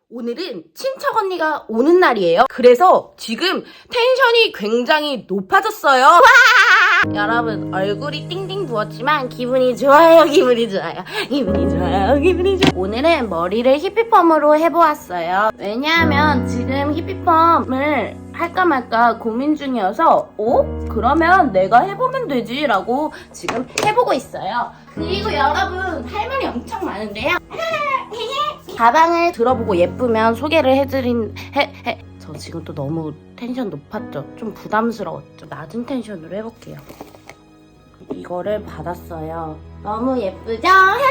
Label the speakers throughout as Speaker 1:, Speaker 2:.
Speaker 1: 오늘은 친척 언니가 오는 날이에요. 그래서 지금 텐션이 굉장히 높아졌어요. 와! 여러분 얼굴이 띵띵 부었지만 기분이 좋아요. 기분이 좋아요. 기분이 좋아요. 기분이 좋아요. 오늘은 머리를 히피펌으로 해보았어요. 왜냐하면 지금 히피펌을 할까 말까 고민 중이어서 그러면 내가 해보면 되지 라고 지금 해보고 있어요. 그리고 여러분 할 말이 엄청 많은데요. 가방을 들어보고 예쁘면 소개를 저 지금 또 너무 텐션 높았죠? 좀 부담스러웠죠? 낮은 텐션으로 해볼게요. 이거를 받았어요. 너무 예쁘죠?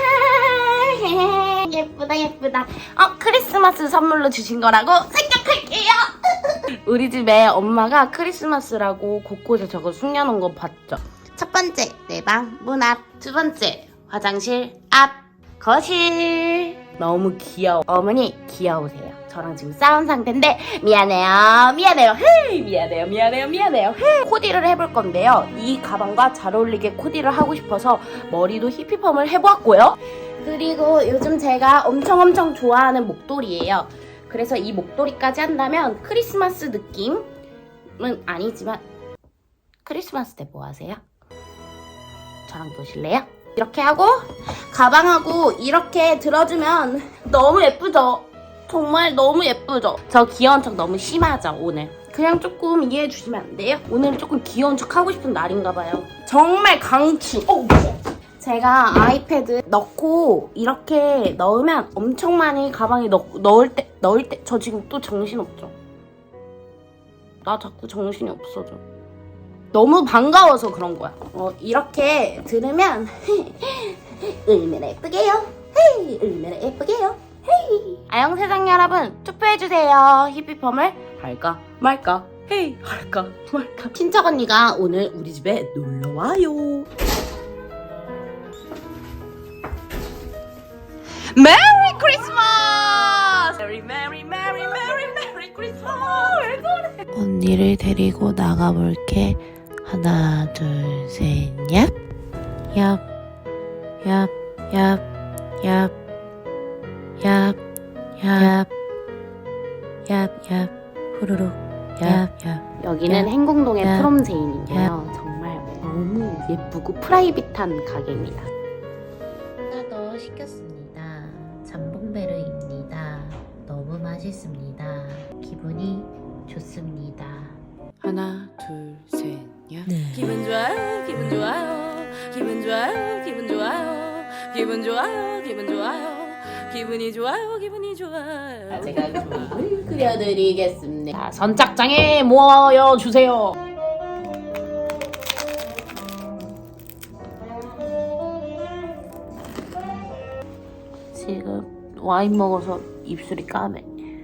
Speaker 1: 예쁘다 예쁘다. 크리스마스 선물로 주신 거라고 생각할게요. 우리 집에 엄마가 크리스마스라고 곳곳에 저거 숨겨놓은 거 봤죠? 첫 번째 내 방 문 앞, 두 번째 화장실 앞, 거실. 너무 귀여워. 어머니 귀여우세요. 저랑 지금 싸운 상태인데 미안해요. 헤이 미안해요. 헤이. 코디를 해볼 건데요. 이 가방과 잘 어울리게 코디를 하고 싶어서 머리도 히피펌을 해보았고요. 그리고 요즘 제가 엄청 좋아하는 목도리예요. 그래서 이 목도리까지 한다면 크리스마스 느낌은 아니지만 크리스마스 때 뭐 하세요? 저랑 보실래요? 이렇게 하고 가방하고 이렇게 들어주면 너무 예쁘죠? 정말 너무 예쁘죠? 저 귀여운 척 너무 심하죠 오늘? 그냥 조금 이해해 주시면 안 돼요? 오늘은 조금 귀여운 척 하고 싶은 날인가 봐요. 정말 강추! 제가 아이패드 넣고 이렇게 넣으면 엄청 많이 가방에 넣을 때 저 지금 또 정신없죠? 나 자꾸 정신이 없어져. 너무 반가워서 그런 거야. 이렇게 들으면 얼마나 예쁘게요? 헤이, 얼마나 예쁘게요? 헤이. 아영세상 여러분 투표해주세요. 히피펌을 할까 말까? 헤이, 할까 말까? 친척 언니가 오늘 우리 집에 놀러와요. 메리 크리스마스! 메리 크리스마스! 왜 그래?
Speaker 2: 언니를 데리고 나가볼게. 하나, 둘, 셋, 얍. 얍, 얍, 얍, 얍, 얍, 얍, 얍, 얍, 후루룩, 얍, 얍.
Speaker 1: 여기는 행궁동의
Speaker 2: 야.
Speaker 1: 프롬제인인데요. 정말 너무 예쁘고 프라이빗한 가게입니다.
Speaker 2: 하나 더 시켰습니다. 잠봉베르입니다. 너무 맛있습니다. 기분이 좋습니다.
Speaker 1: 하나, 둘, 셋, 야.
Speaker 2: 네.
Speaker 1: 기분 좋아요, 기분 좋아요, 기분 좋아요, 기분 좋아요, 기분 좋아요, 기분 좋아요, 기분이 좋아요, 기분이 좋아요. 제가 그림을 그려드리겠습니다. 자, 선착장에 모여주세요. 지금 와인 먹어서 입술이 까매.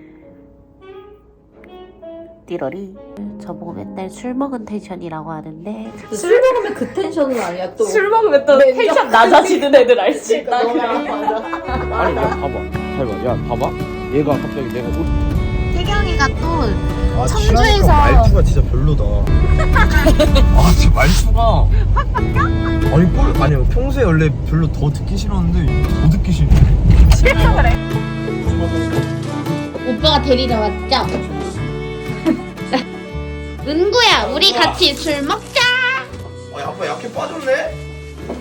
Speaker 1: 띠러리. 저보고 맨날 술 먹은 텐션이라고 하는데
Speaker 3: 술 먹으면 그 텐션은 아니야 또.
Speaker 1: 술 먹으면 또 텐션 낮아지는 애들 알지?
Speaker 3: 나 맞아.
Speaker 4: 아니 야 봐봐 야 봐봐 얘가 갑자기 내가
Speaker 1: 태경이가 또
Speaker 5: 청주에서 말투가 진짜 별로다. 아 진짜 말투가 아니 평소에 원래 별로 더 듣기 싫었는데 더 듣기 싫네.
Speaker 1: 오빠가 데리러 왔죠? 은구야 우리 같이 술 먹자.
Speaker 5: 아빠 약해 빠졌네.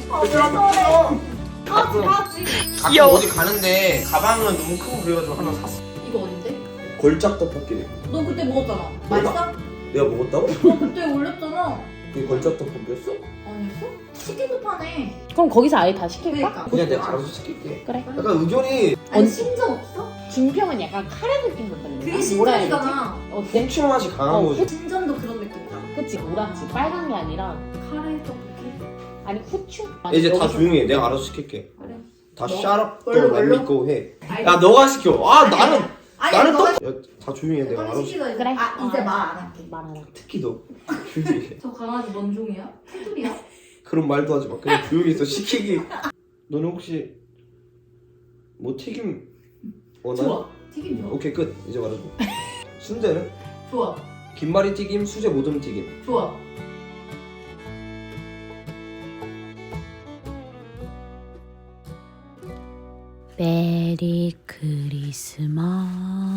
Speaker 1: 귀여워.
Speaker 5: 어디 가는데 가방은 너무 크고 그래가지고 하나 샀어.
Speaker 3: 이거 어딘데?
Speaker 5: 걸작 떡볶이래.
Speaker 3: 너 그때 먹었잖아.
Speaker 5: 내가?
Speaker 3: 맛있어?
Speaker 5: 내가 먹었다고?
Speaker 3: 너 그때 올렸잖아.
Speaker 5: 그게 걸작 떡볶이였어?
Speaker 3: 아니었어? 치킨도 파네.
Speaker 1: 그럼 거기서 아예 다 시킬까?
Speaker 3: 그러니까.
Speaker 5: 그냥 내가 알아서 시킬게.
Speaker 1: 그래.
Speaker 5: 약간 의견이
Speaker 3: 아니 신정 없어?
Speaker 1: 준평은 약간 카레 느낌 난다는
Speaker 3: 그게
Speaker 1: 뭐라 해야 되지?
Speaker 3: 신정이잖아.
Speaker 1: 어때?
Speaker 5: 후추 맛이 강한 거지.
Speaker 3: 신전도 그런 느낌이다.
Speaker 1: 그치 노랗지 빨간 게 아니라
Speaker 3: 카레 떡볶이.
Speaker 1: 아니 후추?
Speaker 5: 이제 다
Speaker 1: 여기서-
Speaker 5: 조용히 해. 내가 알아서 시킬게.
Speaker 3: 그래.
Speaker 5: 다
Speaker 3: 너?
Speaker 5: 샤랍 또
Speaker 3: 뭘로?
Speaker 5: 맘미고 해.
Speaker 3: 아니,
Speaker 5: 야 너가 시켜. 나는
Speaker 3: 아니 너가
Speaker 5: 다 조용히 해. 내가 알아서 시켜.
Speaker 1: 그래.
Speaker 3: 이제 말 안 할게.
Speaker 1: 말하라.
Speaker 5: 특히 너 조용히 해.
Speaker 3: 저 강아지 뭔 종이야? 테두리야?
Speaker 5: 그런 말도 하지 마. 그냥 조용히 있어. 시키기. 너는 혹시 뭐 튀김 원하니?
Speaker 3: 좋아. 튀김 좋아.
Speaker 5: 오케이 끝. 이제 말해줘. 순대는?
Speaker 3: 좋아.
Speaker 5: 김말이 튀김, 수제 모듬 튀김.
Speaker 3: 좋아.
Speaker 2: 메리 크리스마스.